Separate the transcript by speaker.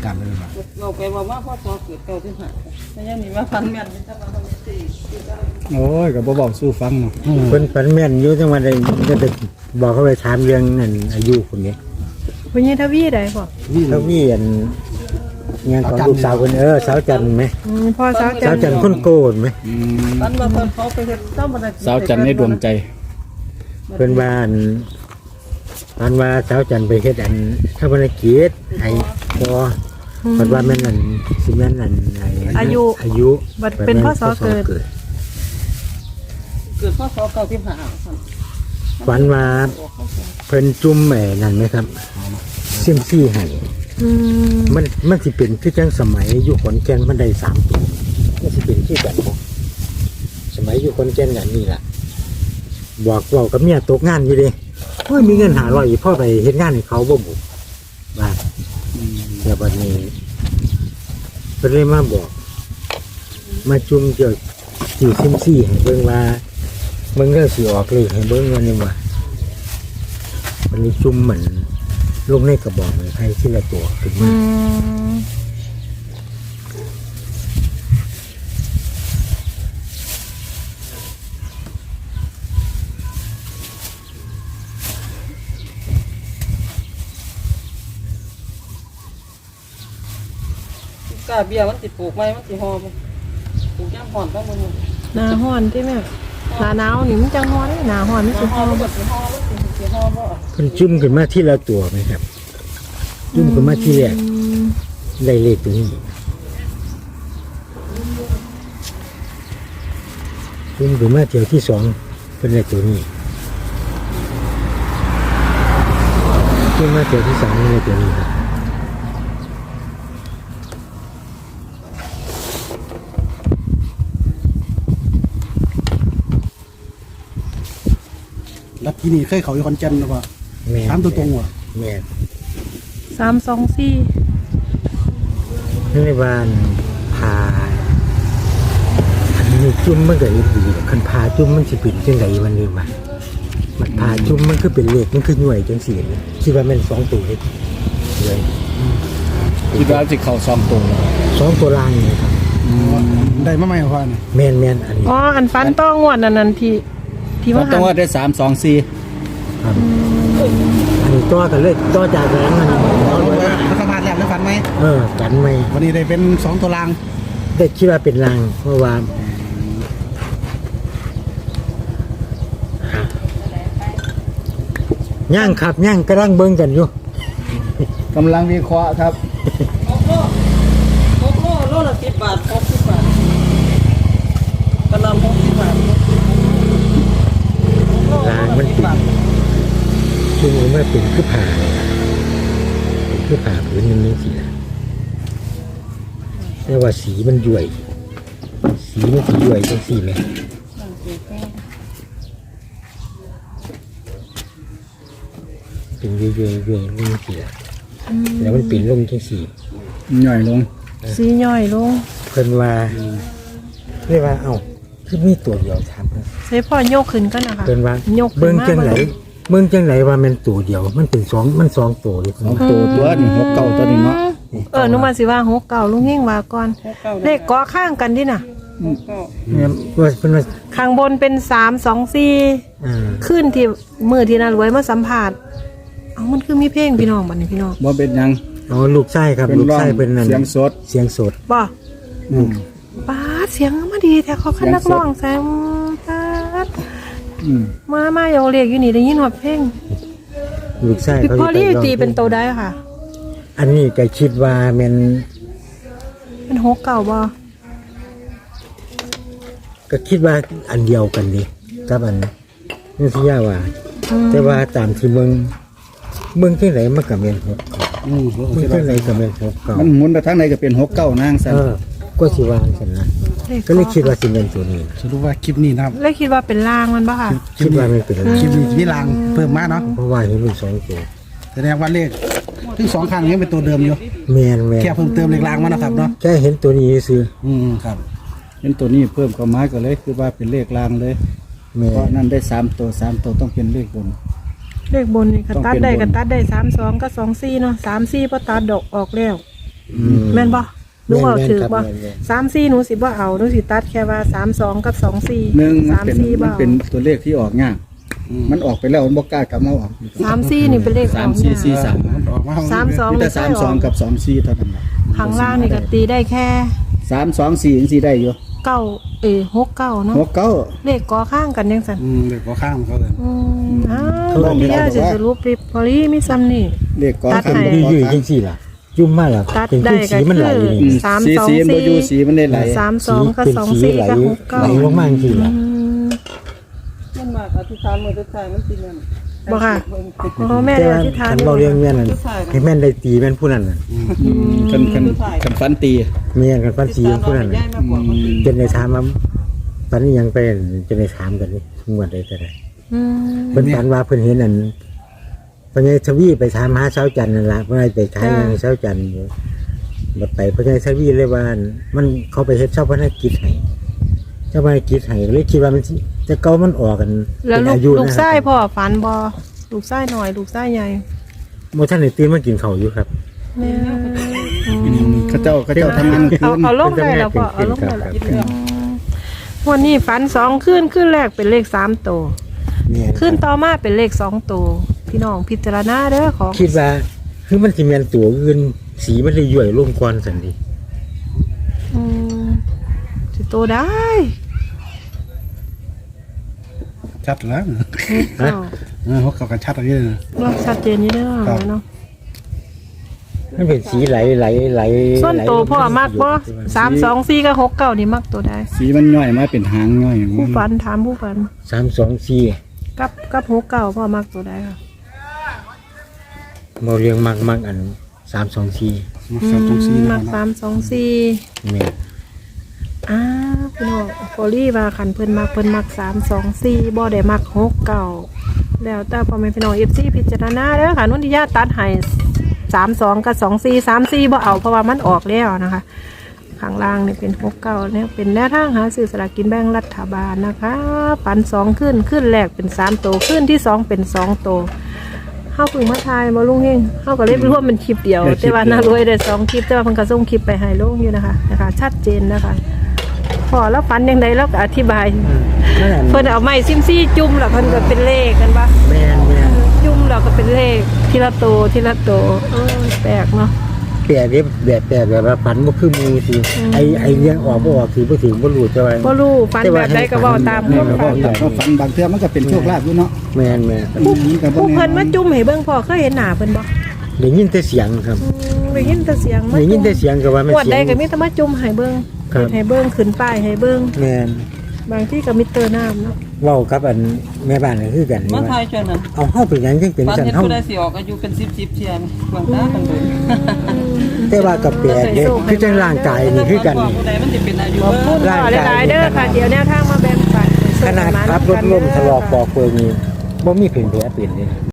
Speaker 1: การเลยว่า
Speaker 2: เราไปว่าพ่อพอเกิดเก่าที่ผ่านไม่ยังมีว่าฟันแม่นจะมาทำสี่
Speaker 1: โอ้ยก็บ่บอกสู้ฟังเนาะ
Speaker 3: เพิ่นฝันแม่นอยู่จังว่าได้ก็จะบอกเขาไปถามเรื่องนั่นอายุคนนี้
Speaker 4: คุณยายทวีได้บ่
Speaker 3: เขามีอันงานของลูกสาวคนสาวจันทร์ไหม
Speaker 4: พ่อสาว
Speaker 3: สาวจันทร์คนโกนไหม
Speaker 2: ฟันมาเพิ่นเขาไปเฮ็ดเจ้าบ่ได้
Speaker 1: สาวจันในดวงใจ
Speaker 3: เพิ่นว่าอันว่าสาวจันทร์ไปเฮ็ดอันทำภารกิจให้พอเพิ่นว่าแม่นอันสิแม่นอันอายุ
Speaker 4: บัดเป็นพ่อสอเกิด
Speaker 2: เกิดพ่อเก่าที่ผ่าน
Speaker 3: ฝันว่าเพิ่นจุ่มนั่นไหมครับเสี่ยมซี่ให้มันสิเป็นคือจังสมัยอยู่ขอนแก่นมันได้3ตัวมันสิเป็นคือกันบ่สมัยอยู่ขอนแก่นกันนี่ล่ะบอกเว้ากับเมียตกงานอยู่เด้โอ้ยมีเงิน500อีกพ่อไปเฮ็ดงานให้เขาบ่บุว่าแต่บัดนี้เพิ่นเลยมาบอกมาจุ่มเกี่ยวสิเสี่ยมซี่ให้เบิ่งว่าเบิ่งแล้วสิออกเลขให้เบิ่งว่านี่ว่าวันนี้จุ่มเหมือนลงในกระบอกไม้ไผ่ที่ละตัวขึ้นมา
Speaker 2: กาเบียมันติดปลูกไม้มันติดหอมปลูกย่ำห่อนต้องมึง
Speaker 4: หน้าฮ้อนที่แม่หน้าหนาวนี่มันจังฮ้อนหน้าฮ้อนมันสิ
Speaker 2: ห
Speaker 4: ฮ้
Speaker 2: อ
Speaker 4: อ
Speaker 2: ม
Speaker 4: น
Speaker 2: มันติดหอมมันติดหอมบ่
Speaker 3: เพิ่นจุ่มขึ้นมาที่ละตัวไหมครับ จุ่มขึ้นมาที่แรกได้เลขตัวนี้จุ่มขึ้นมาเที่ยวที่สองเป็นเลขตัวนี้จุ่มมาเที่ยวที่สามเป็นเลขตัวนี้ครับ
Speaker 1: แล้วที่นี่เคยเขาอยู่คอนเจนหรือเปล่า
Speaker 3: แม่น
Speaker 1: ถามตัวตรงว่ะ
Speaker 3: แม่น
Speaker 4: 324
Speaker 3: ในบ้านพาอันนี้จุ่มมันก็ดีคันพาจุ่มมันสิเป็นจังไดวันนี้วะมันพาจุ่มมันคือเป็นเลขมันคือหน่วยจังซี่คิดว่าแม่น2ตัวเลยเลย
Speaker 1: คิดว่าสิเข้า2ตัว
Speaker 3: 2ตัวล่างนี่ครับ
Speaker 1: ได้มาใหม่พ่อนี่
Speaker 3: แม่นอันนี้
Speaker 4: อ๋ออันฟันต้องงวดนั่นที่ว่า
Speaker 1: ต้องว่าได้3 2 4
Speaker 3: ครับอันนี้ต่อกันเลยต่อจากนั้นมัน
Speaker 1: รัฐบาลแล้วได้ฟันไหม
Speaker 3: กันไหม
Speaker 1: วันนี้ได้เป็น2ตัวราง
Speaker 3: ได้คิดว่าเป็นลางเพราะว่าย่างครับย่างกำลังเบิ่งกันอยู่
Speaker 1: กำลังวิเคราะห์ครับ
Speaker 2: โลละ10 บาท60 บาทกระลำ60 บาท
Speaker 3: ลางมันเป็นช่วงนี้มันเป็นคือผ่าเป็นคือผ่าผืนนึงนี่สินะแต่ว่าสีมันย่วยสีมันสีย่วยจังสีไหมเป็นย่วยลงสีละแล้วมันเป็นลงจังสี
Speaker 1: ย่อยลง
Speaker 4: สีย่อยลง
Speaker 3: เพิ่นว่าเรียกว่าเอ้าคือมีตัวเดียวถามเพิ่น
Speaker 4: ใส่พ่อยกขึ้นก็นะคะ
Speaker 3: เพิ่นว่าย
Speaker 4: กขึ้น
Speaker 3: เบิ่ง
Speaker 4: มา
Speaker 3: จังไหนเบิ่งจังไหนว่ามันตัวเดียว มันเป็นมันสองตัวเลย
Speaker 1: 2ตัวตัวนี่6เก้าตัวนี้เนาะ
Speaker 4: นึกว่าสิว่า69ลุงเฮงว่าก่อนเลขเกาะข้างกันดิน่ะ
Speaker 3: เนี่ยว่าเพิ่นว่า
Speaker 4: ข้างบนเป็น324ขึ้นที่มือที่น่ารวยมาสัมภาษณ์เอามันคือมีเพลงพี่น้องบัดนี้พี่น้อง
Speaker 1: บ่เป็นหยัง
Speaker 3: อ๋อลูกชายครับ
Speaker 1: เป็น
Speaker 3: ลูก
Speaker 1: ร้อง
Speaker 3: ชายเป็นนั่น
Speaker 1: เสียงสด
Speaker 3: เสียงสด
Speaker 4: บ่
Speaker 1: อืม
Speaker 4: ป้าดเสียงมาดีแต่เขาคันนักร้องแซมป้าด
Speaker 1: อืม
Speaker 4: มาโยเรียกอยู่นี่ได้ยินว่าเพลง
Speaker 3: ลูกชาย
Speaker 4: พี่
Speaker 3: เขา
Speaker 4: พอลี่
Speaker 3: ร้ง
Speaker 4: ตีเป็นโตได้ค่ะ
Speaker 3: อันนี้ก็คิดว่าแมัน
Speaker 4: เป็น6เก่าบ่
Speaker 3: ก็คิดว่าอันเดียวกันนี่กับอันนี่ที่ย่าว่า แต่ว่าตามที่เมืองที่ไหนมันก็แม่นหก
Speaker 1: อืม
Speaker 3: เมืองที่ไหนก็แม่นหกเก่า
Speaker 1: มันหมุนไปทางไหนก็เป็น6เก้านางซั่น
Speaker 3: ก็สิว่าจังซั่นนะก็เลยคิดว่าสิเป็นตัวนี้
Speaker 1: สรุปว่าคลิปนี้นะครับ
Speaker 4: เลยคิดว่าเป็นลางมันบ่ค่ะ
Speaker 3: คิดว่ามันเป็นอะไร
Speaker 1: คลิปนี้มีรางเพิ่มมาเนาะ
Speaker 3: เพราะว่าเห็นมันสองตัว
Speaker 1: แสดงว่าเลขทั้ง2ครั้งยังเป็นตัวเดิมอยู่
Speaker 3: แม่น
Speaker 1: แค่เพิ่มเติมเลขรางมานะครับเนาะ
Speaker 3: แค่เห็นตัวนี้ซื้อ
Speaker 1: ครับเห็นตัวนี้เพิ่มความหมายก็เลยคือว่าเป็นเลขรางเลย
Speaker 3: แม่
Speaker 1: เพราะนั่นได้3ตัว3ตัวต้องเป็นเลขบน
Speaker 4: เลขบนนี่ก็
Speaker 1: ต้อง
Speaker 4: ตัด
Speaker 1: เป็น
Speaker 4: ได้
Speaker 1: บน
Speaker 4: ก็ตัดได้32กับ24เนาะ34บ่ตัดดอกออกแล้วแม่นบ่หนูเอาถือบ่
Speaker 3: แม่น
Speaker 4: 34หนูสิบ่เอาหนูสิตัดแค่ว่า32กับ24
Speaker 1: หนึ่งมันเป็น
Speaker 4: 34
Speaker 1: มั
Speaker 4: บ่
Speaker 1: นเป็นตัวเลขที่ออกยากมันออกไปแล้วมันบ่กล้ากลับมาออก
Speaker 4: 34นี่เป็นเลข
Speaker 1: สามสี่สี่สาม
Speaker 2: มันออกมา
Speaker 4: 32
Speaker 1: มี
Speaker 4: นี่
Speaker 1: แต่
Speaker 4: ใช่
Speaker 1: 32กับ24เท่านั้น
Speaker 4: ข้างล่างนี่ก็ตีได้แค่
Speaker 1: 324จังซี่ได้อยู่
Speaker 4: 69เนาะ
Speaker 1: 69
Speaker 4: เลขกอข้างกันจังซั่น
Speaker 2: เด็กก็ข้ามเขาเลย
Speaker 4: อ้าววันนี้จะสรุปริบพอลี่มีซ้ำนี่
Speaker 1: เลขก่อน
Speaker 4: ตัด
Speaker 1: คำ
Speaker 4: ให้
Speaker 3: อยู่ๆจังซี่ล่ะจุ่มมาแล้ว
Speaker 4: ตัด
Speaker 3: เป็น
Speaker 4: ได้
Speaker 3: สีมันไหลนี่
Speaker 1: อืม
Speaker 4: สาม
Speaker 1: สี
Speaker 4: สอง
Speaker 1: สีมันบ่อยู่
Speaker 4: สี่
Speaker 1: สีมันได้ไหล
Speaker 4: 32กับ
Speaker 3: เป็นสี
Speaker 4: 24
Speaker 3: ไหล
Speaker 4: กับ
Speaker 3: ไหลลง
Speaker 4: 69
Speaker 3: มาจังซี่ล่ะ
Speaker 2: มันมากอธิษฐานมือทุกทายมันสิแม่น
Speaker 4: บ่ค่ะโอ้แม่
Speaker 3: แต่
Speaker 4: ได้
Speaker 3: ว่า
Speaker 4: อธิษฐาน
Speaker 3: คันเบาเรียงแม่นนั่นให้แม่นได้ตีแม่นผู้นั้นน่ะ
Speaker 1: คันฟันตี
Speaker 3: แม่นกันฟันสีผู้นั้น
Speaker 2: ย้า
Speaker 3: น่ะ
Speaker 2: ยมากกว่าคนอื่น
Speaker 3: จนในถามว่าปันนี้ยังไปจนในถามกันนี่งวดใดก็ได้
Speaker 4: อืม
Speaker 3: เพิ่นฝันว่าเพิ่นเห็นอันเพิ่นให้ทวีไปถามหาเช้าจันทร์นั่นล่ะเพิ่นให้ไปขายงานเช้าจันทร์อยู่บัดไปเพิ่นให้ทวีเลยว่ามันเขาไปเฮ็ดเช้าพนักกิจให้เจ้าพนักกิจให้เลยคิดว่ามันสิแต่เก่ามันออกกัน
Speaker 4: แล้ว
Speaker 3: เป็น
Speaker 4: ลูก
Speaker 3: อายุ
Speaker 4: ลูก
Speaker 3: นะ
Speaker 4: ไส้พ่อฝันบ่ลูกไส้หน่อยลูกไส้ใหญ่
Speaker 3: บ่ทันได้ตื่นมากินข้าวอยู่ครับ
Speaker 4: แม่
Speaker 1: เขาเจ้าทำงานคื
Speaker 4: เอา
Speaker 1: น
Speaker 4: เอาลงได้แล้วพ่อเอาลงได้แล้ววันนี้ฝัน2ขึ้นแรกเป็นเลข3ตัว
Speaker 3: เนี่ย
Speaker 4: ขึ้นต่อมาเป็นเลข2ตัวพี่น้องพิจารณาเด้อของ
Speaker 3: คิดว่าคือมันสิแม่นตัวอื่นสีมันเลยย่อยลงก่อนซั่นดิ
Speaker 4: อืมสิโตได้
Speaker 2: ชัดแล้ว
Speaker 4: เอ้า
Speaker 2: เขาเข้ากันชัดอะไรเลย
Speaker 4: เราชัดเจนนี่เด้อเนาะ
Speaker 3: มันเป็นสีไหล
Speaker 4: ส่วนตัวพ่อมักบ่324กับ69นี่มักตัวใด
Speaker 1: สีมันย่อยมาเป็นหางย่อย
Speaker 4: ผู้ฝันถามผู้ฝัน
Speaker 3: 324
Speaker 4: กับ69พ่อมักตัวใดค่ะ
Speaker 3: บ่เรียงมักอัน324
Speaker 2: สับตรงซี
Speaker 4: มัก324
Speaker 3: แม่น
Speaker 4: พี่น้องฟอรี่ว่าคันเพิ่นมัก324บ่ได้มัก69แล้วแต่พ่อแม่พี่น้อง FC พิจารณาเด้อค่ะนุ่นที่ญาติตัดให้32กับ24 34บ่เอาเพราะว่ามันออกแล้วนะคะข้างล่างนี่เป็น69เนี่ยเป็นแนวทางหาซื้อสลากกินแบ่งรัฐบาลนะคะปัน2ขึ้นแรกเป็น3ตัวขึ้นที่2เป็น2ตัวเฮาเพิ่งมาทายบ่ลุงเฮงเฮาก็เลยรวมเป็นคลิปเดียวแต่ว่าน่ารวยได้2คลิปแต่ว่าเพิ่นก็ส่งคลิปไปให้ลุงอยู่นะคะชัดเจนนะคะพอแล้วฝันยังไงแล้วก็อธิบาย
Speaker 3: นั่นน่ะ
Speaker 4: เพิ่นเอาไม้ซิมซี่จุ่มแล้วเพิ่นก็เป็นเลขกันปะ
Speaker 3: แม่น
Speaker 4: จุ่มแล้วก็เป็นเลขทีละตัวแปลกเนาะ
Speaker 3: แปลกเด้แบบว่าฝันบ่คือหมู่สิไอ้เรื่องออกบ่ออกสิบ่ถึงบ่รู้จะว่า
Speaker 4: บ่รู้ฝันแบบใดก็เว้าตาม
Speaker 1: เนี่ย
Speaker 4: ความ
Speaker 1: ก็
Speaker 4: ฝัน
Speaker 1: ฝันบางเทื่อมันก็เป็นโชคลาภอยู่เนาะ
Speaker 3: แม่น
Speaker 4: ผู้เพิ่นมาจุ่มให้เบิ่งพ่อเคยเห็นหน้าเพิ่นบ่
Speaker 3: ได้ยินแต่เสียงครับ
Speaker 4: ได้ยินแต่เสียงมา
Speaker 3: ได้ยินแต่เสียงก็ว่ามัน
Speaker 4: งวด
Speaker 3: เสี
Speaker 4: ใด
Speaker 3: ยง
Speaker 4: ก็มีแต่มาจุ่มให้เบิ่ง
Speaker 3: ครับ
Speaker 4: ให้เบิ่งขึ้นป้ายให้เบิ่ง
Speaker 3: แม่น
Speaker 4: บางที่ก็มิเตอร์น้ำเนาะ
Speaker 3: เว้ากับอันแม่บ้านก็คือกันนี่
Speaker 2: มา
Speaker 3: ว่า
Speaker 2: ทายจนนั้น
Speaker 3: เอาเฮาเป็นหยังจังเป็น
Speaker 2: ปาน
Speaker 3: ซั่น
Speaker 2: เห็น
Speaker 3: เฮา
Speaker 2: ผู้ใดสิออกอายุเป็น10เทียนกวางตากันเลย
Speaker 3: แต่ว่ากับแปลกเด้คือจังร่างกายนี่คือกันนี่
Speaker 2: ผู้ใดมันสิเป็นอายุ
Speaker 4: ขอบคุณพ่อหลายๆเด้อค่ะเดี๋ยวแนวทางมาแบ่งปัน
Speaker 3: ขนาดขับรถล้มทะลอกปอกเปิงนี่บ่มีแผลเป็นเลย